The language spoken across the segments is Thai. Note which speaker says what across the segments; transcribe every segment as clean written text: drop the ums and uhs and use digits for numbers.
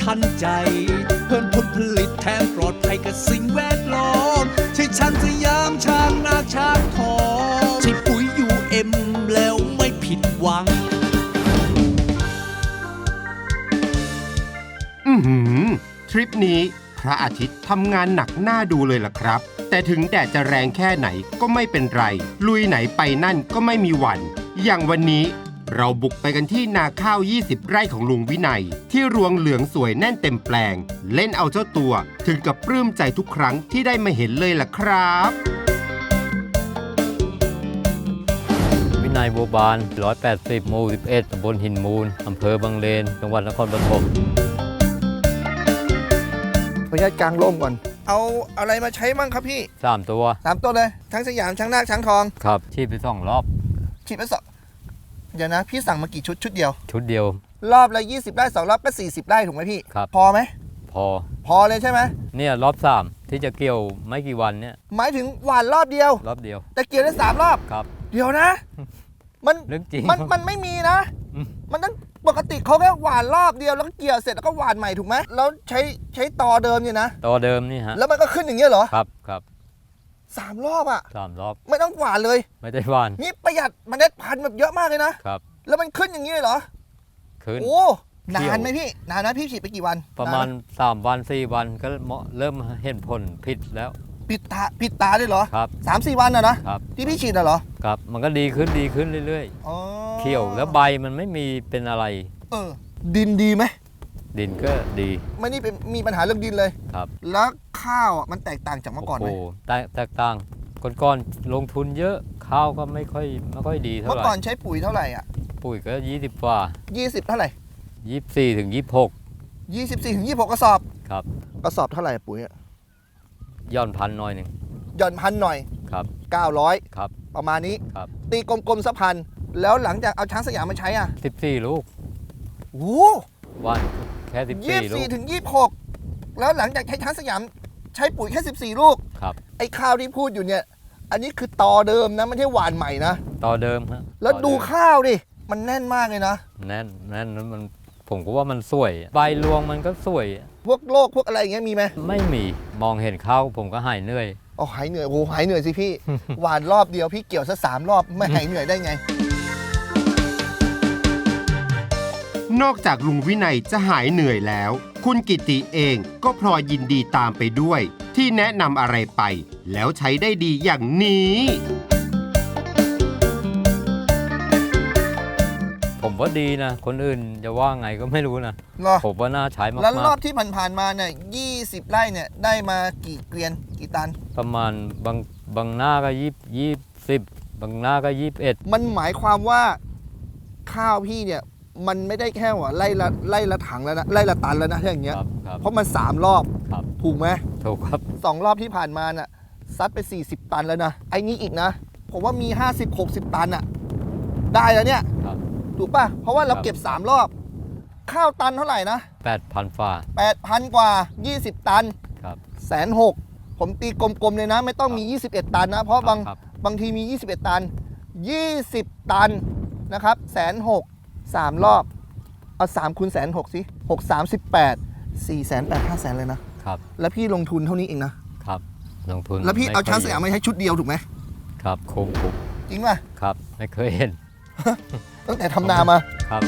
Speaker 1: ทันใจเพิ่มผลผลิตแถมปลอดภัยกับสิ่งแวดล้อมใช่ช้างสยามช้างนาช้างทองใช่ปุ๋ยUMแล้วไม่ผิดหวัง
Speaker 2: ทริปนี้พระอาทิตย์ทำงานหนักหน้าดูเลยล่ะครับแต่ถึงแดดจะแรงแค่ไหนก็ไม่เป็นไรลุยไหนไปนั่นก็ไม่มีหวั่นอย่างวันนี้เราบุกไปกันที่นาข้าว20 ไร่ของลุงวินัยที่รวงเหลืองสวยแน่นเต็มแปลงเล่นเอาเจ้าตัวถึงกับปลื้มใจทุกครั้งที่ได้มาเห็นเลยล่ะครับ
Speaker 3: วินัยบัวบาน180หมู่11ตำบลหินมูลอำเภอบางเลนจังหวัดนครปฐม
Speaker 4: ขออนุญาตกางร่มก่อนเอาอะไรมาใช้มั่งครับพี่
Speaker 3: 3 ตัว
Speaker 4: 3 ตัวเลยทั้งสยามช้างนาคช้างทอง
Speaker 3: ครับฉีดไป2 รอบ
Speaker 4: ฉีดไปเดี๋ยวนะพี่สั่งมากี่ชุดเดียว
Speaker 3: ชุดเดียว
Speaker 4: รอบละ20 ไร่2 รอบก็40 ไร่ถูกไหมพี่
Speaker 3: ครับ
Speaker 4: พอไหม
Speaker 3: พอ
Speaker 4: เลยใช่ไหม
Speaker 3: เนี่ยรอบ3ที่จะเกี่ยวไม่กี่วันเนี่ย
Speaker 4: หมายถึงหว่านรอบเดียวแต่เกี่ยวได้3 รอบ
Speaker 3: ครับ
Speaker 4: เดี๋ยวนะมัน
Speaker 3: เรื่องจริง
Speaker 4: มันไม่มีนะมันต้องปกติเขาแค่หว่านรอบเดียวแล้วก็เกี่ยวเสร็จแล้วก็หว่านใหม่ถูกไหมแล้วใช้ตอเดิมเนี่ยนะ
Speaker 3: ตอเดิมนี่ฮะ
Speaker 4: แล้วมันก็ขึ้นอย่างเงี้ยเหรอ
Speaker 3: ครับ
Speaker 4: 3 รอบอ่ะ
Speaker 3: 3 รอบ
Speaker 4: ไม่ต้องหว่านเลย
Speaker 3: ไม่ได้หว่าน
Speaker 4: นี่ประหยัดเมล็ดพันธุ์แบบเยอะมากเลยนะครับแล้วมันขึ้นอย่างนี้เลยเหรอ
Speaker 3: ขึ้น
Speaker 4: โอ้นานไหมพี่นานนะพี่ฉีดไปกี่วัน
Speaker 3: ประมาณ3 วัน4 วันก็เริ่มเห็นผลผิดแล้ว
Speaker 4: ผิดตาด้วยเหรอ
Speaker 3: ครับ
Speaker 4: 3-4 วันนะครับที่พี่ฉีดเหรอ
Speaker 3: ครับมันก็ดีขึ้นเรื่อยๆเขียวแล้วใบมันไม่มีเป็นอะไร
Speaker 4: ดินดีไหม
Speaker 3: ดินก็ดี
Speaker 4: ไม่นี่เป็นมีปัญหาเรื่องดินเลย
Speaker 3: ครับ
Speaker 4: แล้วข้าวมันแตกต่างจากเมื่อก่อนไหม
Speaker 3: โอ้แตกต่างก่อนลงทุนเยอะข้าวก็ไม่ค่อยดีเท่าไหร่
Speaker 4: เมื่อก่อนใช้ปุ๋ยเท่าไหร่อ่ะ
Speaker 3: ปุ๋ยก็20 กว่า
Speaker 4: 20เท่าไหร่
Speaker 3: 24 ถึง 26
Speaker 4: 24 ถึง 26 กระสอบ
Speaker 3: ครับ
Speaker 4: กระสอบเท่าไหร่ปุ๋ยอ่ะ
Speaker 3: ย่อนพันหน่อยนึง
Speaker 4: ย่อนพันหน่อย
Speaker 3: ครับ
Speaker 4: 900
Speaker 3: ครับ
Speaker 4: ประมาณนี้
Speaker 3: ครับ
Speaker 4: ตีกลมๆสักพันแล้วหลังจากเอาช้างสยามมาใช้อ่ะ
Speaker 3: 14 ลูก
Speaker 4: โอ้
Speaker 3: วันแค่14 ลูก
Speaker 4: 24 ถึง 26แล้วหลังจากใช้ช้างสยามใช้ปุ๋ยแค่14 ลูก
Speaker 3: ครับ
Speaker 4: ไอ้ข้าวที่พูดอยู่เนี่ยอันนี้คือตอเดิมนะไม่ใช่หวานใหม่นะ
Speaker 3: ตอเดิมฮะ
Speaker 4: แล้วดูข้าวดิมันแน่นมากเลยนะ
Speaker 3: แน่นแล้วมันผมก็ว่ามันสวยใบรวงมันก็สวย
Speaker 4: พวกโรคพวกอะไรอย่างเงี้ยมีไหม
Speaker 3: ไม่มีมองเห็นข้าวผมก็หายเหนื่อย
Speaker 4: หายเหนื่อยโอ้หายเหนื่อยสิพี่ หวานรอบเดียวพี่เกี่ยวซะ3 รอบไม่หายเหนื่อยได้ไง
Speaker 2: นอกจากลุงวินัยจะหายเหนื่อยแล้วคุณกิติเองก็พลอยยินดีตามไปด้วยที่แนะนำอะไรไปแล้วใช้ได้ดีอย่างนี้
Speaker 3: ผมว่าดีนะคนอื่นจะว่าไงก็ไม่รู้นะผมว่าน่าใช้มากๆ
Speaker 4: แล้วรอบที่ผ่านๆมาเนี่ย20 ไร่เนี่ยได้มากี่เกวียนกี่ตัน
Speaker 3: ประมาณบางหน้าก็20บางหน้าก็21
Speaker 4: มันหมายความว่าข้าวพี่เนี่ยมันไม่ได้แค่ว่าไล่ละถังแล้วนะไล่ละตันแล้วนะอย่างเงี้ยเพราะมัน3 รอบถูกไหม
Speaker 3: ถูกครับ
Speaker 4: 2 รอบที่ผ่านมาน่ะซัดไป40 ตันแล้วนะไอ้นี้อีกนะผมว่ามี50-60 ตันอ่ะได้แล้วเนี่ยถูกป่ะเพราะว่าเราเก็บ3 รอบข้าวตันเท่าไหร่นะ
Speaker 3: 8,000 ฝ่า
Speaker 4: 8,000 กว่า20 ตัน
Speaker 3: ครับ
Speaker 4: 160,000ผมตีกลมๆเลยนะไม่ต้องมี21 ตันนะเพราะบางทีมี21 ตัน20 ตันนะครับ160,000 3 รอบเอา3 คูณ 160,000 สิ6 38 480,000 500,000เลยนะครับแล้วพี่ลงทุนเท่านี้เองนะครับ
Speaker 3: ลงทุน
Speaker 4: แล้วพี่เอาช้างสยามมาใช้ชุดเดียวถูกไหม
Speaker 3: ครับคุ้ม
Speaker 4: จริงป่ะ
Speaker 3: ครับไม่เคยเห็น
Speaker 4: ตั้งแต่ทำนามา
Speaker 3: ครับ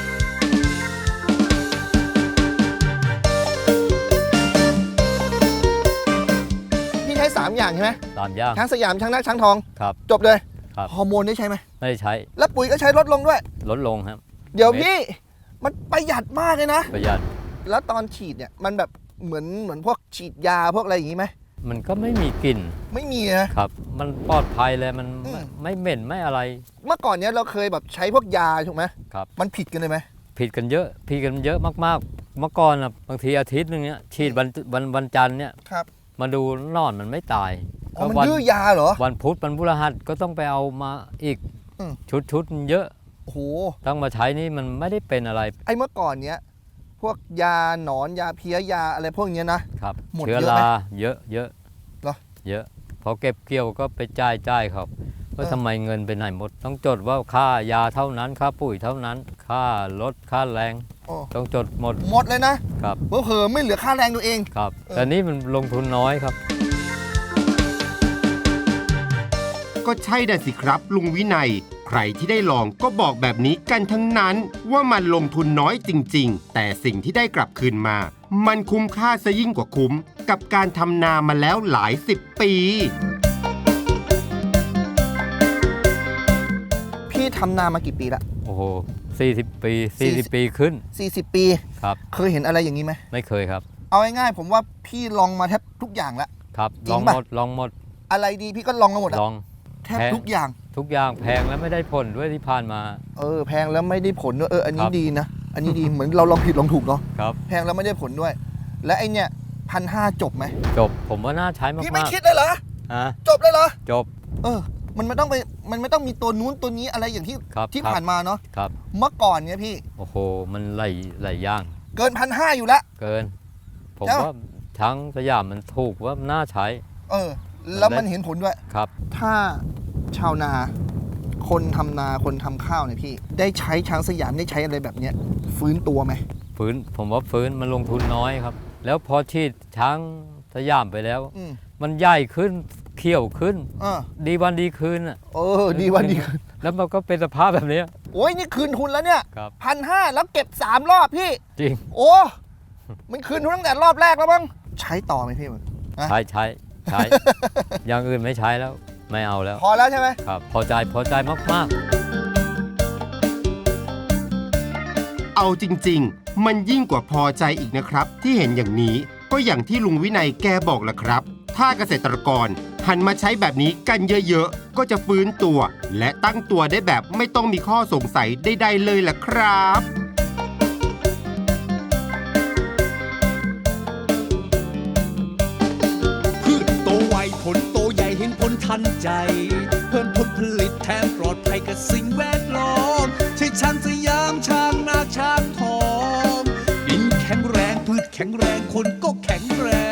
Speaker 4: พี่ใช้3 อย่างใช่ไหม
Speaker 3: 3 อย่าง
Speaker 4: ช้างสยามช้างนาคช้างทอง
Speaker 3: ครับ
Speaker 4: จบเลย
Speaker 3: ครับ
Speaker 4: ฮอร์โมนได้ใช้ไหม
Speaker 3: ไม่ได้ใช้
Speaker 4: แล้วปุ๋ยก็ใช้ลดลงด้วย
Speaker 3: ลดลงครับ
Speaker 4: เดี๋ยวพี่มันประหยัดมากเลยนะ
Speaker 3: ประหยัด
Speaker 4: แล้วตอนฉีดเนี่ยมันแบบเหมือนพวกฉีดยาพวกอะไรอย่างงี้ไหม
Speaker 3: มันก็ไม่มีกลิ่น
Speaker 4: ไม่มีนะครับ
Speaker 3: มันปลอดภัยเลยมันไม่เหม็นไม่อะไร
Speaker 4: เมื่อก่อนเนี้ยเราเคยแบบใช้พวกยาถูกไหม
Speaker 3: ครับ
Speaker 4: มันผิดกันเลยไหม
Speaker 3: ผิดกันเยอะมากๆเมื่อก่อนนะบางทีอาทิตย์นึงเนี้ยฉีดวันจันทร์เนี่ยมาดูนอนมันไม่ตาย
Speaker 4: มันดื้อยาเหรอ
Speaker 3: วันพุธวันพฤหัสก็ต้องไปเอามาอีกชุดเยอะ
Speaker 4: โอ้โห
Speaker 3: ต้องมาใช้นี่มันไม่ได้เป็นอะไร
Speaker 4: ไอ้เมื่อก่อนเนี้ยพวกยาหนอนยาเพี้ยยาอะไรพวกนี้
Speaker 3: นะครับเชื้อราเยอะเยอะพอเก็บเกี่ยวก็ไปจ่ายเขาว่าทำไมเงินไปไหนหมดต้องจดว่าค่ายาเท่านั้นค่าปุ๋ยเท่านั้นค่ารถค่าแรง
Speaker 4: โอ้
Speaker 3: ต้องจดหมด
Speaker 4: หมดเลยนะครับ เผลอๆไม่เหลือค่าแรงตัวเอง
Speaker 3: ครับแต่นี่มันลงทุนน้อยครับ
Speaker 2: ก็ใช่น่ะสิครับลุงวินัย ใครที่ได้ลองก็บอกแบบนี้กันทั้งนั้น ว่ามันลงทุนน้อยจริงๆ แต่สิ่งที่ได้กลับคืนมา มันคุ้มค่าซะยิ่งกว่าคุ้ม กับการทำนามาแล้วหลาย10 ปี
Speaker 4: พี่ทำนามากี่ปีละ
Speaker 3: โอ้โห40 ปี40 ปีขึ้น
Speaker 4: 40 ปี
Speaker 3: ครับ
Speaker 4: เคยเห็นอะไรอย่างนี้ไหม
Speaker 3: ไม่เคยครับ
Speaker 4: เอาง่ายๆผมว่าพี่ลองมาแทบทุกอย่างแล้ว
Speaker 3: ครับ
Speaker 4: จริ
Speaker 3: ลอง ง
Speaker 4: ปะ
Speaker 3: หมดลองหมด
Speaker 4: อะไรดีพี่ก็ลองมาหมดอะ
Speaker 3: ลอง
Speaker 4: แทบทุกอย่าง
Speaker 3: ทุกอย่างแพงแล้วไม่ได้ผลด้วยที่ผ่านมา
Speaker 4: แพงแล้วไม่ได้ผลด้วยอันนี้
Speaker 3: ครับ
Speaker 4: ดีนะ อันนี้ดี เหมือนเราลองผิดลองถูกเนาะ
Speaker 3: ครับ
Speaker 4: แพงแล้วไม่ได้ผลด้วย และไอเนี่ย1,500จบไหม
Speaker 3: จบผมว่าน่าใช้มากๆ
Speaker 4: พี่ไม่คิดเลยเหรอ
Speaker 3: ฮะ
Speaker 4: จบเลยเหรอ
Speaker 3: จบ
Speaker 4: มันไม่ต้องมีตัวนู้นตัวนี้อะไรอย่างที่
Speaker 3: ครับ
Speaker 4: ที่
Speaker 3: ครับ
Speaker 4: ผ่านมาเนาะ
Speaker 3: ครับ
Speaker 4: เมื่อก่อนเนี่ยพี่
Speaker 3: โอ้โหมันหลายอย่าง
Speaker 4: เกิน1,500อยู่แล้ว
Speaker 3: เกิน ผม
Speaker 4: ใช่ปะ
Speaker 3: ว่าช้างสยามมันถูกว่าน่าใช้
Speaker 4: แล้วมันเห็นผลด้วย
Speaker 3: ครับ
Speaker 4: ถ้าชาวนา คนทำนาคนทำข้าวเนี่ยพี่ ได้ใช้ช้างสยามได้ใช้อะไรแบบเนี้ยฟื้นตัวไหม
Speaker 3: ฟื้นผมว่าฟื้นมันลงทุนน้อยครับ แล้วพอฉีดช้างสยามไปแล้ว
Speaker 4: อืม
Speaker 3: มันใหญ่ขึ้นเขี้ยวขึ้น
Speaker 4: อ่า
Speaker 3: ดีวันดีคืนอ่ะ
Speaker 4: ดีวันดีคืน
Speaker 3: แล้วมันก็เป็นสภาพแบบเนี้ย
Speaker 4: โอ้ยนี่คืนทุนแล้วเนี่ย
Speaker 3: ครับ
Speaker 4: 1,500แล้วเก็บ3 รอบพี่
Speaker 3: จริง
Speaker 4: โอ้มันคืนทุนตั้งแต่รอบแรกแล้วมั้งใช้ต่อไหมพี่มึง
Speaker 3: ใช้ อย่างอื่นไม่ใช้แล้วไม่เอาแล้ว
Speaker 4: พอแล้วใช่ไหม
Speaker 3: ครับ พอใจมาก
Speaker 2: เอาจริงๆ มันยิ่งกว่าพอใจอีกนะครับ ที่เห็นอย่างนี้ก็อย่างที่ลุงวินัยแกบอกแหละครับ ถ้าเกษตรกรหันมาใช้แบบนี้กันเยอะๆ ก็จะฟื้นตัว และตั้งตัวได้แบบไม่ต้องมีข้อสงสัยใดๆเลยล่ะครับ
Speaker 1: พืชโตไวผลโตใหญ่เห็นผลทันใจ เพิ่มผลผลิตแถมปลอดภัยกับสิ่งแวดล้อมใช่ช้างสยามช้างนาช้างทองดินแข็งแรงพืชแข็งแรงคนก็แข็งแรง